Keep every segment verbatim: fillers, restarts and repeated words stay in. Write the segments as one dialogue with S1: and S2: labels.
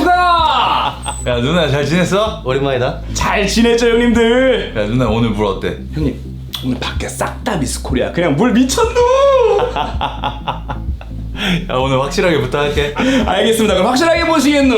S1: 추가!
S2: 야 누나 잘 지냈어?
S3: 오랜만이다.
S1: 잘 지냈죠 형님들?
S2: 야 누나 오늘 물 어때?
S1: 형님 오늘 밖에 싹 다 미스코리아 그냥 물 미쳤누!
S2: 야 오늘 확실하게 부탁할게.
S1: 알겠습니다. 그럼 확실하게 보시겠누?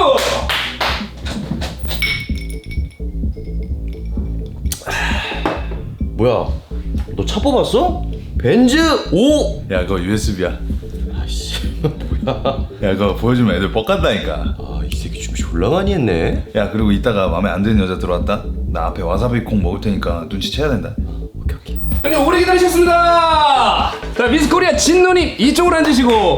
S3: 뭐야? 너 차 뽑았어? 벤즈 오!
S2: 야 그거 유에스비야.
S3: 아이씨 뭐야?
S2: 야 그거 보여주면 애들 뻑간다니까.
S3: 아 이 새끼 준비 졸라 많이 했네.
S2: 야 그리고 이따가 마음에 안 드는 여자 들어왔다? 나 앞에 와사비 콩 먹을 테니까 눈치채야 된다.
S3: 오케이 오케이.
S1: 형님 오래 기다리셨습니다. 자 미스코리아 진누님 이쪽으로 앉으시고.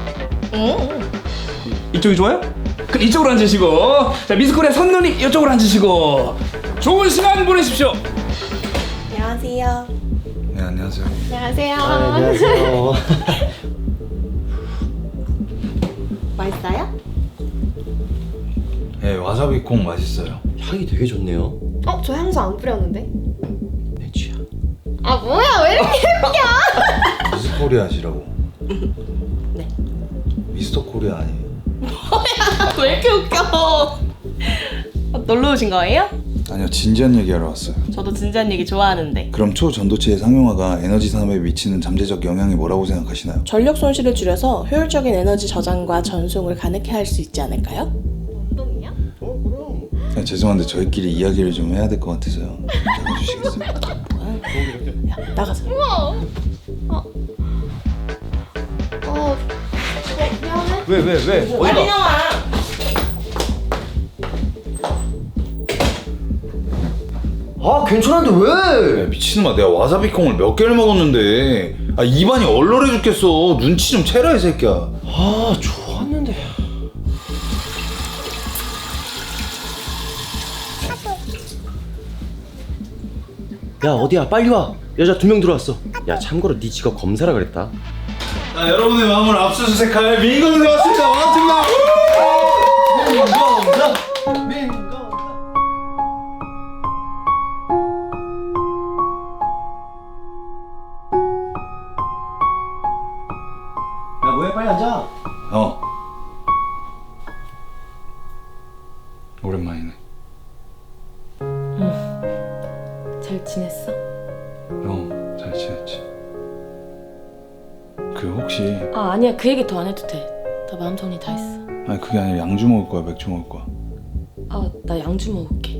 S1: 이쪽이 좋아요? 그럼 이쪽으로 앉으시고. 자 미스코리아 선누님 이쪽으로 앉으시고. 좋은 시간 보내십시오.
S4: 안녕하세요.
S2: 네 안녕하세요.
S4: 안녕하세요.
S3: 아, 안녕하세요.
S4: 맛있어요?
S2: 예 와사비 콩 맛있어요.
S3: 향이 되게 좋네요.
S4: 어, 저 향수 안 뿌렸는데.
S3: 내 취향.
S4: 아, 뭐야? 왜 이렇게 웃겨?
S2: 미스 코리아시라고.
S4: 네.
S2: 미스터 코리아 아니에요?
S4: 왜 이렇게 웃겨? 어, 놀러 오신 거예요?
S2: 아니요 진지한 얘기하러 왔어요.
S4: 저도 진지한 얘기 좋아하는데.
S2: 그럼 초전도체의 상용화가 에너지 산업에 미치는 잠재적 영향이 뭐라고 생각하시나요?
S5: 전력 손실을 줄여서 효율적인 에너지 저장과 전송을 가능케 할 수 있지 않을까요?
S4: 운동이야?
S3: 어 그럼.
S2: 야, 죄송한데 저희끼리 이야기를 좀 해야 될 것 같아서요. 잡아주시겠어요?
S5: 야, 나가자.
S4: 어. 어, 어, 미안해.
S3: 왜 왜 왜? 어디가?
S4: 나와.
S3: 아 괜찮은데 왜?
S2: 야, 미친놈아 내가 와사비 콩을 몇 개를 먹었는데 아 입안이 얼얼해 죽겠어. 눈치 좀 채라 이 새끼야.
S3: 아 좋았는데. 야 어디야 빨리 와. 여자 두 명 들어왔어. 야 참고로 네 직업 검사라 그랬다.
S2: 자 여러분의 마음을 압수수색할 민검사 왔습니다. 반갑습니다.
S3: 민검사. 야 뭐해 빨리 앉아.
S2: 어. 오랜만이네.
S5: 잘 지냈어?
S2: 어, 잘 지냈지. 그 혹시
S5: 아 아니야 그 얘기 더 안 해도 돼. 나 마음 정리 다 했어.
S2: 아니 그게 아니라 양주 먹을 거야, 맥주 먹을 거야?
S5: 아 나 양주 먹을게.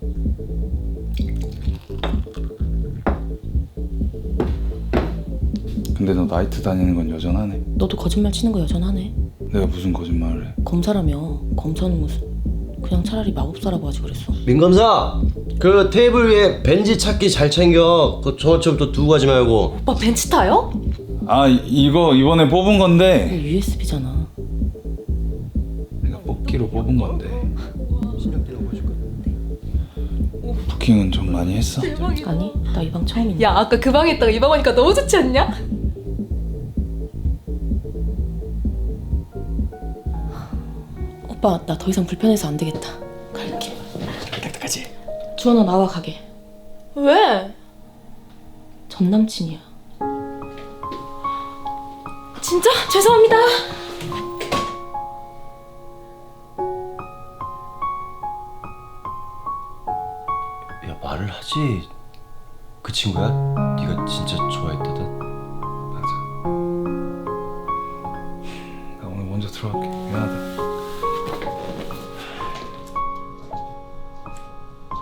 S2: 근데 너 나이트 다니는 건 여전하네.
S5: 너도 거짓말 치는 거 여전하네.
S2: 내가 무슨 거짓말을 해?
S5: 검사라며. 검사는 무슨. 그냥 차라리 마법사라고 하지 그랬어.
S3: 민검사 그 테이블 위에 벤지 찾기 잘 챙겨. 그 저처럼 또 두고 가지 말고.
S5: 오빠 벤츠 타요?
S2: 아 이- 이거 이번에 뽑은 건데
S5: 이거 유에스비잖아.
S2: 내가 뽑기로 뽑은 건데
S3: 신작대라고 해줄 거야.
S2: 부킹은 좀 많이 했어?
S5: 아니 나 이 방 처음인데.
S6: 야 아까 그 방에 있다가 이 방 오니까 너무 좋지 않냐?
S5: 오빠 나 더 이상 불편해서 안 되겠다. 갈게.
S3: 딱딱하지?
S5: 주원아 나와 가게.
S6: 왜?
S5: 전 남친이야. 진짜 죄송합니다.
S3: 야 말을 하지. 그 친구야? 네가 진짜 좋아했다던?
S2: 맞아. 나 오늘 먼저 들어갈게. 미안하다.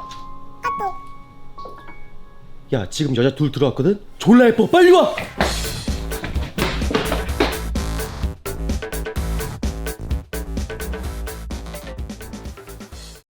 S3: 야 지금 여자 둘 들어왔거든? 졸라 예뻐 빨리 와!